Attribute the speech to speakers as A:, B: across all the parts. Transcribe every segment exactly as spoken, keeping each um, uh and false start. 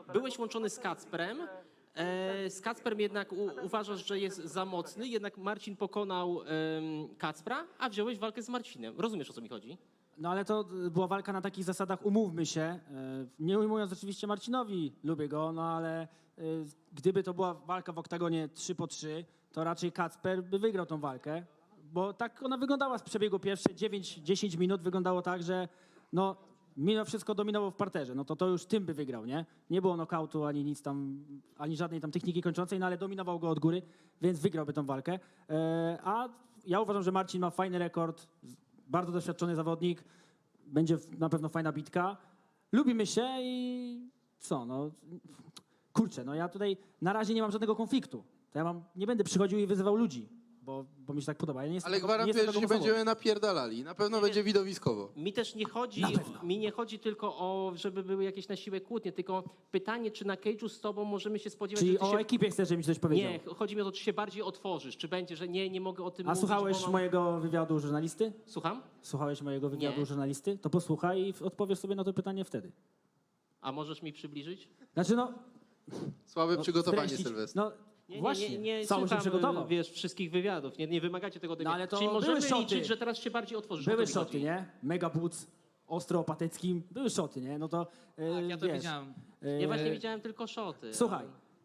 A: byłeś łączony z Kacprem. E, z Kacprem jednak u, uważasz, że jest za mocny, jednak Marcin pokonał em, Kacpra, a wziąłeś walkę z Marcinem. Rozumiesz, o co mi chodzi?
B: No ale to była walka na takich zasadach, umówmy się. e, Nie ujmując oczywiście Marcinowi, lubię go, no ale e, gdyby to była walka w oktagonie trzy po trzy, to raczej Kacper by wygrał tą walkę, bo tak ona wyglądała z przebiegu pierwsze dziewięć dziesięć minut, wyglądało tak, że no mimo wszystko dominował w parterze, no to to już tym by wygrał, nie? Nie było nokautu ani nic tam, ani żadnej tam techniki kończącej, no ale dominował go od góry, więc wygrałby tą walkę. E, A ja uważam, że Marcin ma fajny rekord, bardzo doświadczony zawodnik, będzie na pewno fajna bitka. Lubimy się i co, no kurczę, no ja tutaj na razie nie mam żadnego konfliktu. To ja mam, nie będę przychodził i wyzywał ludzi, bo, bo mi się tak podoba. Ja nie jestem
C: Ale
B: tego- nie
C: gwarantuję,
B: jestem
C: że
B: taką
C: się
B: osobą.
C: będziemy napierdalali. Na pewno będzie widowiskowo.
A: Mi też nie chodzi,
B: Na pewno.
A: mi nie chodzi tylko o, żeby były jakieś na siłę kłótnie, tylko pytanie, czy na cage'u z tobą możemy się spodziewać,
B: Czyli
A: że ty
B: o
A: się...
B: ekipie chcesz, żebym ci coś powiedział.
A: Nie, chodzi mi o to, czy się bardziej otworzysz, czy będzie, że nie, nie mogę o tym
B: A
A: mówić,
B: słuchałeś
A: bo mam...
B: mojego wywiadu żurnalisty?
A: Słucham?
B: Słuchałeś mojego wywiadu
A: Nie.
B: żurnalisty? To posłuchaj i odpowiesz sobie na to pytanie wtedy.
A: A możesz mi przybliżyć?
B: Znaczy no...
C: Słabe
B: no
C: przygotowanie,
B: streścić-
C: Sylwester.
B: No
A: Nie,
B: właśnie,
A: nie, nie, nie
B: cały się
A: słucham,
B: przygotował.
A: wiesz, wszystkich wywiadów, nie, nie wymagacie tego ode
B: No
A: mnie.
B: ale to
A: Czyli
B: były
A: możemy
B: szoty.
A: liczyć, że teraz się bardziej otworzysz. o
B: Były
A: to mi
B: szoty,
A: chodzi.
B: nie? Mega Boots, ostro opateckim, były szoty, nie? No to e,
D: Tak, ja to
B: wiesz,
D: widziałem.
B: e,
A: Ja właśnie widziałem tylko szoty.
B: Słuchaj,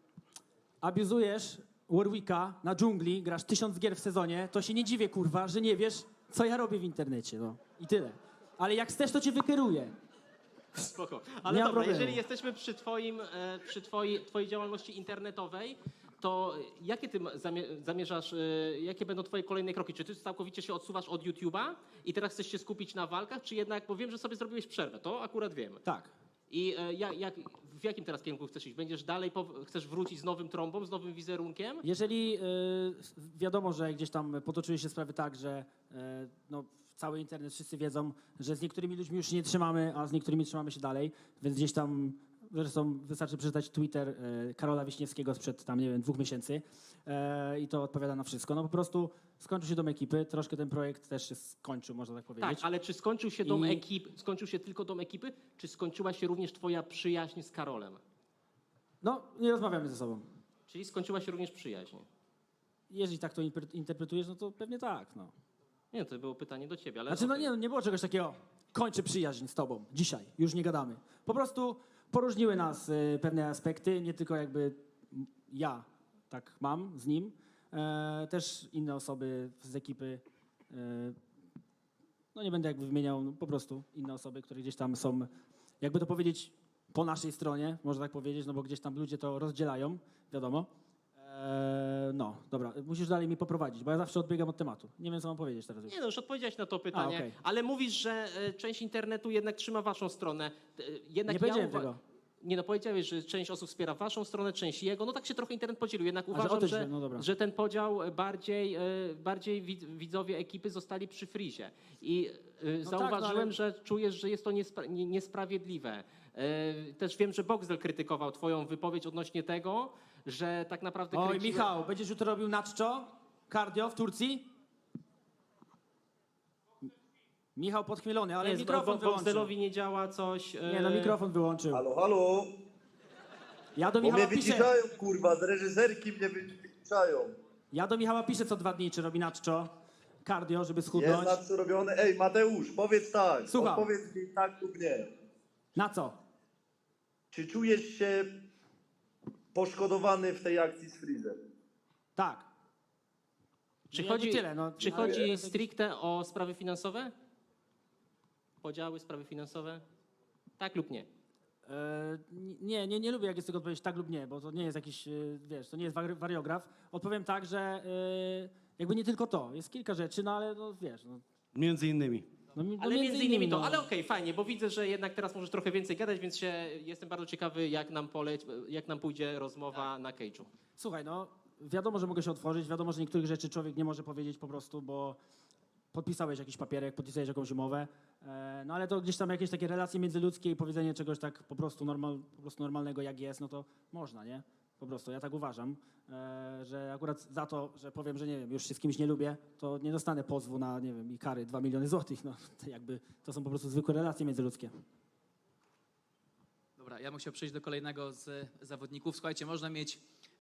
B: abuzujesz Warwicka na dżungli, grasz tysiąc gier w sezonie, to się nie dziwię, kurwa, że nie wiesz, co ja robię w internecie, no. I tyle. Ale jak chcesz, to cię wykieruję.
A: Spoko. Ale
B: Nie ma
A: dobra,
B: problemu.
A: jeżeli jesteśmy przy, twoim, e, przy twojej, twojej działalności internetowej, to jakie ty zamie- zamierzasz, e, jakie będą twoje kolejne kroki? Czy ty całkowicie się odsuwasz od YouTube'a i teraz chcesz się skupić na walkach, czy jednak, bo wiem, że sobie zrobiłeś przerwę, to akurat wiem.
B: Tak.
A: I e, jak, jak, w jakim teraz kierunku chcesz iść? Będziesz dalej, pow- chcesz wrócić z nowym trąbą, z nowym wizerunkiem?
B: Jeżeli y, wiadomo, że gdzieś tam potoczyły się sprawy tak, że y, no, cały internet wszyscy wiedzą, że z niektórymi ludźmi już się nie trzymamy, a z niektórymi trzymamy się dalej, więc gdzieś tam, zresztą wystarczy przeczytać Twitter y, Karola Wiśniewskiego sprzed tam, nie wiem, dwóch miesięcy y, i to odpowiada na wszystko. No po prostu skończył się dom ekipy, troszkę ten projekt też się skończył, można tak powiedzieć.
A: Tak, ale czy skończył się dom
B: I-
A: ekipy, skończył się tylko dom ekipy, czy skończyła się również twoja przyjaźń z Karolem?
B: No, nie rozmawiamy ze sobą.
A: Czyli skończyła się również przyjaźń.
B: Jeżeli tak to interpre- interpretujesz, no to pewnie tak, no.
A: Nie, to było pytanie do ciebie, ale...
B: Znaczy, no
A: okej.
B: nie, no nie było czegoś takiego, kończę przyjaźń z tobą, dzisiaj, już nie gadamy. Po prostu poróżniły nas y, pewne aspekty, nie tylko jakby m, ja tak mam z nim, e, też inne osoby z ekipy, e, no nie będę jakby wymieniał, no, po prostu inne osoby, które gdzieś tam są, jakby to powiedzieć, po naszej stronie, można tak powiedzieć, no bo gdzieś tam ludzie to rozdzielają, wiadomo. E, no, dobra, musisz dalej mi poprowadzić, bo ja zawsze odbiegam od tematu. Nie wiem, co mam powiedzieć teraz już.
A: Nie no, już odpowiedziałeś na to pytanie,
B: A, okej.
A: ale mówisz, że e, część internetu jednak trzyma waszą stronę. E, jednak
B: Nie powiedziałem
A: uwa-
B: tego.
A: Nie no, powiedziałeś, że część osób wspiera waszą stronę, część jego. No tak się trochę internet podzielił. Jednak
B: że
A: uważam,
B: o to
A: że,
B: źle, no dobra.
A: że ten podział bardziej, e, bardziej wid- widzowie ekipy zostali przy frizie. I e,
B: tak, no
A: zauważyłem,
B: ale-
A: że czujesz, że jest to niespra- nie- niesprawiedliwe. E, Też wiem, że Boxdel krytykował twoją wypowiedź odnośnie tego, że tak naprawdę...
B: Oj,
A: kręciłeś-
B: Michał, będziesz jutro robił naczczo? Cardio w Turcji? Michał podchmielony, ale
A: Nie,
B: mikrofon
A: Bo-
B: wyłączył.
A: Boxdelowi nie działa coś... e,
B: Nie, no mikrofon wyłączył.
E: Halo, halo?
B: Ja do
E: Bo mnie
B: Michała piszę,
E: wyciszają, kurwa, z reżyserki mnie wy- wyciszają.
B: ja do Michała piszę co dwa dni, czy robi naczczo, cardio, żeby
E: Jest
B: schudnąć.
E: na co robione. Ej, Mateusz, powiedz tak.
B: Słucham.
E: Odpowiedz mi tak lub nie.
B: Na co?
E: Czy czujesz się poszkodowany w tej akcji z Freezem?
B: Tak.
A: Czy
B: Nie,
A: chodzi,
B: nie tyle, no.
A: czy
B: Ale-
A: chodzi stricte o sprawy finansowe? Podziały, sprawy finansowe? Tak lub nie?
B: E, nie, nie, nie lubię, jak jest tego odpowiedzieć tak lub nie, bo to nie jest jakiś, e, wiesz, to nie jest wari- wariograf. Odpowiem tak, że e, jakby nie tylko to, jest kilka rzeczy, no ale no wiesz, no,
F: Między innymi.
B: no, mi- no
A: Ale między innymi to,
B: no.
A: ale okej, fajnie, bo widzę, że jednak teraz możesz trochę więcej gadać, więc się, jestem bardzo ciekawy, jak nam, poleć, jak nam pójdzie rozmowa na cage'u.
B: Słuchaj, no wiadomo, że mogę się otworzyć, wiadomo, że niektórych rzeczy człowiek nie może powiedzieć po prostu, bo podpisałeś jakiś papierek, podpisałeś jakąś umowę, e, no ale to gdzieś tam jakieś takie relacje międzyludzkie i powiedzenie czegoś tak po prostu, normal, po prostu normalnego jak jest, no to można, nie? Po prostu, ja tak uważam, e, że akurat za to, że powiem, że nie wiem, już się z kimś nie lubię, to nie dostanę pozwu na, nie wiem, i kary dwa miliony złotych, no to jakby to są po prostu zwykłe relacje międzyludzkie.
D: Dobra, ja bym chciał przejść do kolejnego z zawodników. Słuchajcie, można mieć